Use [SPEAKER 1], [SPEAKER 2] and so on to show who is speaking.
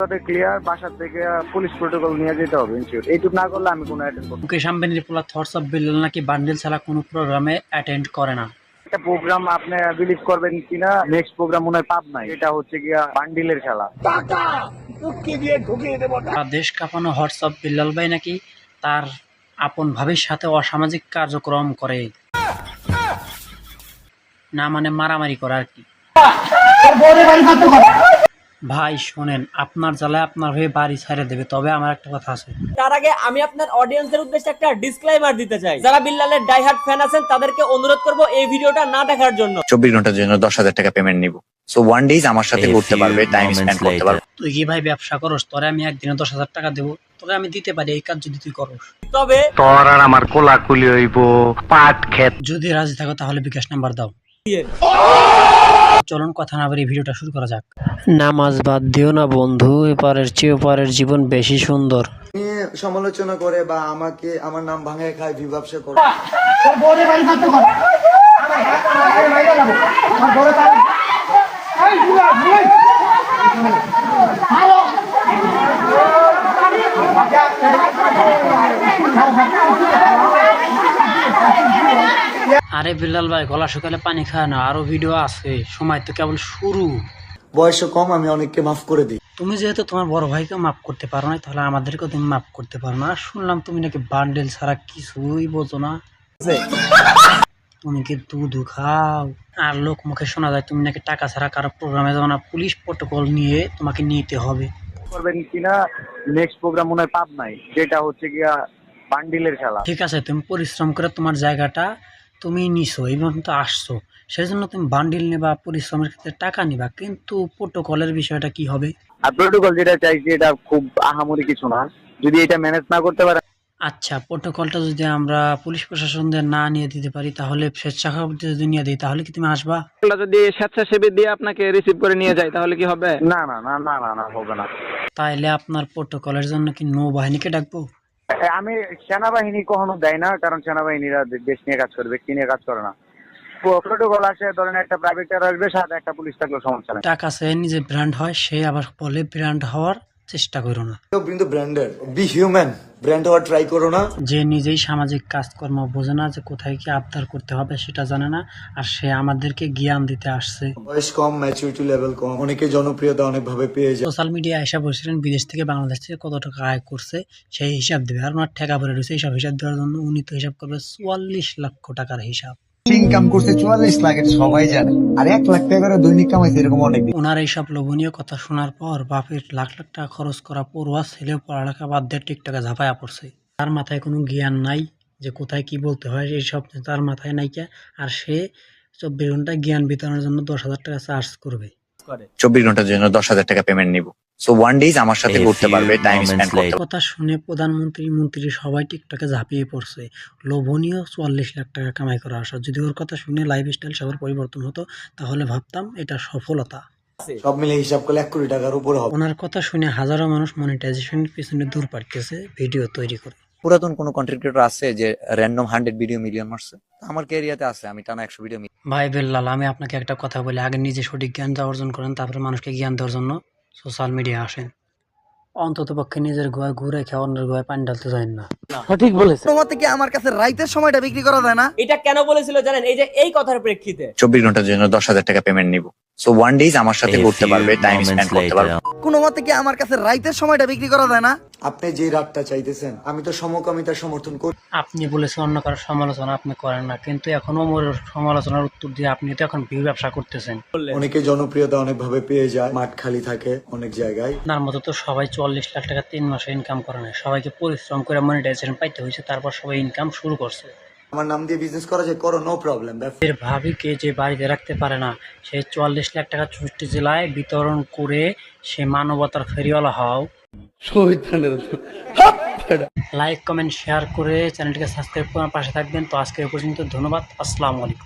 [SPEAKER 1] Clear, বাসার থেকে police protocol নিয়ে যেতে হবে ইনশিওর। এইটুকু না করলে আমি কোনো অ্যাটেন্ড করব না।
[SPEAKER 2] মুকেশ আম্বানির পোলা থটস অফ বিল্লাল নাকি বান্ডেল ছাড়া কোনো প্রোগ্রামে অ্যাটেন্ড করে না।
[SPEAKER 1] একটা প্রোগ্রাম আপনি বিলিভ করবেন কিনা, নেক্সট প্রোগ্রাম মনে হয় পাবনায়, এটা হচ্ছে গিয়া বান্ডিলের খেলা।
[SPEAKER 2] দেশ কাঁপানো হটস অফ বিল্লাল ভাই নাকি তার আপন ভাবির সাথে অসামাজিক কার্যক্রম করে, না মানে মারামারি করে আর কি। ভাই শোনেন, আপনার জ্বালায় আপনার হয়ে বাড়ি ছেড়ে দেবে, তবে আমার একটা কথা আছে।
[SPEAKER 3] তার আগে আমি আপনার অডিয়েন্সের উদ্দেশ্যে একটা ডিসক্লেইমার দিতে চাই। যারা বিল্লালের ডাইহার্ড ফ্যান আছেন তাদেরকে অনুরোধ করব এই ভিডিওটা না দেখার জন্য।
[SPEAKER 4] 24 ঘন্টার জন্য 10,000 টাকা পেমেন্ট নিব। সো 1 ডেজ আমার সাথে ঘুরতে পারবে, টাইম স্পেন্ড করতে পারবে।
[SPEAKER 2] তুই কি ভাই ব্যবসা করস? তোরে আমি একদিনে 10,000 টাকা দেবো, তোকে আমি দিতে পারি এই কাজ যদি তুই করস।
[SPEAKER 3] তবে
[SPEAKER 1] তোর আর আমার কোলাকুলি হইব পাট ক্ষেত।
[SPEAKER 2] যদি রাজি থাকো তাহলে বিকাশ নাম্বার দাও। চলুন কথা না বলে ভিডিওটা শুরু করা যাক। নামাজ বাদ দিও না বন্ধু, এপারের চেয়ে ওপারের জীবন বেশি সুন্দর।
[SPEAKER 5] নিয়ে সমালোচনা করে বা আমাকে আমার নাম ভাঙায় খায়, বিভাবসা করে।
[SPEAKER 2] আরে বিল্লাল ভাই, গলা শুকালে পানি খায় না, আরো ভিডিও আছে, সময় তো কেবল শুরু।
[SPEAKER 5] বয়সও কম, আমি অনেককে মাফ করে দিই।
[SPEAKER 2] তুমি যেহেতু তোমার বড় ভাইকে মাফ করতে পারো না, তাহলে আমাদেরকেও তুমি মাফ করতে পারো না। শুনলাম তুমি নাকি বান্ডেল ছাড়া কিছুই বোঝো না, তুমি কি দুধ খাও? আর লোক মুখে শোনা যায় তুমি নাকি টাকা ছাড়া কারো প্রোগ্রামে যাও না, পুলিশ প্রোটোকল নিয়ে তোমাকে নিতে হবে।
[SPEAKER 1] করবেন কিনা, নেক্সট প্রোগ্রাম মনে হয় পাবনায়, যেটা হচ্ছে গিয়া বান্ডিলের খেলা।
[SPEAKER 2] ঠিক আছে, তুমি পরিশ্রম করে তোমার জায়গাটা তুমি নিছো, এই পর্যন্ত আসছো, সেই জন্য তুমি বান্ডিল নেবা, পরিশ্রমের ক্ষেত্রে টাকা নিবা, কিন্তু প্রোটোকলের বিষয়টা কি হবে?
[SPEAKER 1] আর প্রোটোকল যেটা চাইছি এটা খুব আহামরি কিছু না, যদি এটা ম্যানেজ না করতে পারে।
[SPEAKER 2] আচ্ছা, প্রোটোকলটা যদি আমরা পুলিশ প্রশাসনদের না নিয়ে দিতে পারি, তাহলে স্বেচ্ছাসেবকদের যদি নিয়ে দিই, তাহলে কি তুমি আসবা?
[SPEAKER 6] যদি স্বেচ্ছাসেবী দিয়ে আপনাকে রিসিভ করে নিয়ে যায় তাহলে কি হবে?
[SPEAKER 1] না না না না না না, হবে না।
[SPEAKER 2] তাইলে আপনার প্রোটোকলের জন্য কি নৌবাহিনীকে ডাকবো?
[SPEAKER 1] আমি সেনাবাহিনী কখনো দেয় না, কারণ সেনাবাহিনীরা দেশ নিয়ে কাজ করে, ব্যক্তি নিয়ে কাজ করে না। প্রোটোকল আসে, ধরেন একটা প্রাইভেট কার আসবে, সাথে একটা পুলিশ থাকলেও সমস্যা নেই।
[SPEAKER 2] টাকা সে নিজে ব্র্যান্ড হয়, সে আবার বলে ব্র্যান্ড হওয়ার চেষ্টা করো না।
[SPEAKER 5] কিন্তু ব্র্যান্ডেড, বি হিউম্যান, ব্র্যান্ড হওয়ার ট্রাই করো না।
[SPEAKER 2] যে নিজেই সামাজিক কাজকর্ম বোঝে না, যে কোথায় কি আবদার করতে হবে সেটা জানে না, আর সে আমাদেরকে জ্ঞান দিতে আসছে।
[SPEAKER 5] বয়স কম, ম্যাচুরিটি লেভেল কম, অনেকে জনপ্রিয়তা অনেক ভাবে পেয়ে যায়।
[SPEAKER 2] সোশ্যাল মিডিয়া এসে বলছিলেন বিদেশ থেকে বাংলাদেশ থেকে কত টাকা আয় করছে সেই হিসাব দেবে, আর ওনার ঠেকা পড়ে রয়েছে এইসব হিসাব দেওয়ার জন্য। উনি তো হিসাব করবে 44 লক্ষ টাকার হিসাব।
[SPEAKER 7] ইনকাম করছে 44 লাখ, এটা সবাই জানে। আর 1 লাখ টাকা করে দৈনিক কামাইছে এরকম অনেক।
[SPEAKER 2] ওনার এইসব লোভনীয় কথা শোনার পর বাপের লাখ লাখ টাকা খরচ করা পড়ুয়া ছেলেও পড়ালেখা বাদ দিয়ে টিকটকে ঝাঁপায়া পড়ছে। তার মাথায় কোনো জ্ঞান নাই যে কোথায় কি বলতে হয়, এইসব তার মাথায় নাইকা। আর সে 24 ঘন্টা জ্ঞান বিতরণের জন্য 10,000 টাকা চার্জ করবে।
[SPEAKER 4] 24 ঘন্টার জন্য 10,000 টাকা পেমেন্ট নিব। সো 1 ডেজ আমার সাথে ঘুরতে পারবে, টাইম স্পেন্ড করতে পারবে।
[SPEAKER 2] কথা শুনে প্রধানমন্ত্রী মন্ত্রী সবাই টিকটকে ঝাঁপিয়ে পড়ছে। লোভনীয় 44 লাখ টাকা কামাই করা আসা। যদি ওর কথা শুনে লাইফস্টাইল সবার পরিবর্তন হতো, তাহলে ভাবতাম এটা সফলতা।
[SPEAKER 5] সব মিলে হিসাব করলে 1 কোটি টাকার উপরে হবে।
[SPEAKER 2] ওনার কথা শুনে হাজারো মানুষ মনিটাইজেশনের পিছনে দূর পাড়তেছে ভিডিও তৈরি করে।
[SPEAKER 4] পুরাতন কোনো কন্টেন্ট ক্রিয়েটর আছে যে র্যান্ডম 100 ভিডিও মিলিয়ন মারছে? আমার ক্যারিয়াতে আছে, আমি টানা 100 ভিডিও।
[SPEAKER 2] ভাই বেল্লাল, আমি আপনাকে একটা কথা বলি, আগে নিজে সঠিক জ্ঞানটা অর্জন করেন, তারপরে মানুষকে জ্ঞান দেওয়ার জন্য সোশ্যাল মিডিয়া আসেন। অন্তত পক্ষে নিজের গোয়ায় ঘুরে খেয়ে অন্যের গোয়ায় পানি ঢালতে যান না।
[SPEAKER 3] সঠিক বলেছে।
[SPEAKER 7] তোমার থেকে আমার কাছে রাইতের সময়টা বিক্রি করা যায় না।
[SPEAKER 3] এটা কেন বলেছিল জানেন? এই যে এই কথার প্রেক্ষিতে
[SPEAKER 4] 24 ঘন্টার জন্য 10,000 টাকা পেমেন্ট নিব। সো 1 ডেজ আমার সাথে ঘুরতে পারবে, টাইম স্পেন্ড করতে পারবে।
[SPEAKER 7] কোনো মতে কি আমার কাছে রাইতের সময়টা বিক্রি করা যায় না।
[SPEAKER 5] আপনি যে রাতটা চাইতেছেন, আমি তো সমকামিতার সমর্থন করি।
[SPEAKER 2] আপনি বলেছেন অন্য কারোর সমালোচনা আপনি করেন না, কিন্তু এখন ওমর সমালোচনার উত্তর দিয়ে আপনি তো এখন ভিউ ব্যবসা করতেছেন।
[SPEAKER 5] অনেকে জনপ্রিয়তা অনেক ভাবে পেয়ে যায়, মাঠ খালি থাকে অনেক জায়গায়।
[SPEAKER 2] আপনার মতো তো সবাই 44 লাখ টাকা 3 মাসে ইনকাম করে না, সবাইকে পরিশ্রম করে মনিটাইজেশন পাইতে হয়েছে, তারপর সবাই ইনকাম শুরু করছে।
[SPEAKER 5] আমার নাম দিয়ে বিজনেস করা যায়, করো, নো প্রবলেম।
[SPEAKER 2] এর ভাবিকে যে বাড়িতে রাখতে পারে না, সে 44 লাখ টাকা 64 জেলায় বিতরণ করে সে মানবতার ফেরিওয়ালা হও। লাইক কমেন্ট শেয়ার করে চ্যানেলটিকে সাবস্ক্রাইব করার পাশে থাকবেন। তো আজকে এ পর্যন্ত, ধন্যবাদ, আসসালামু আলাইকুম।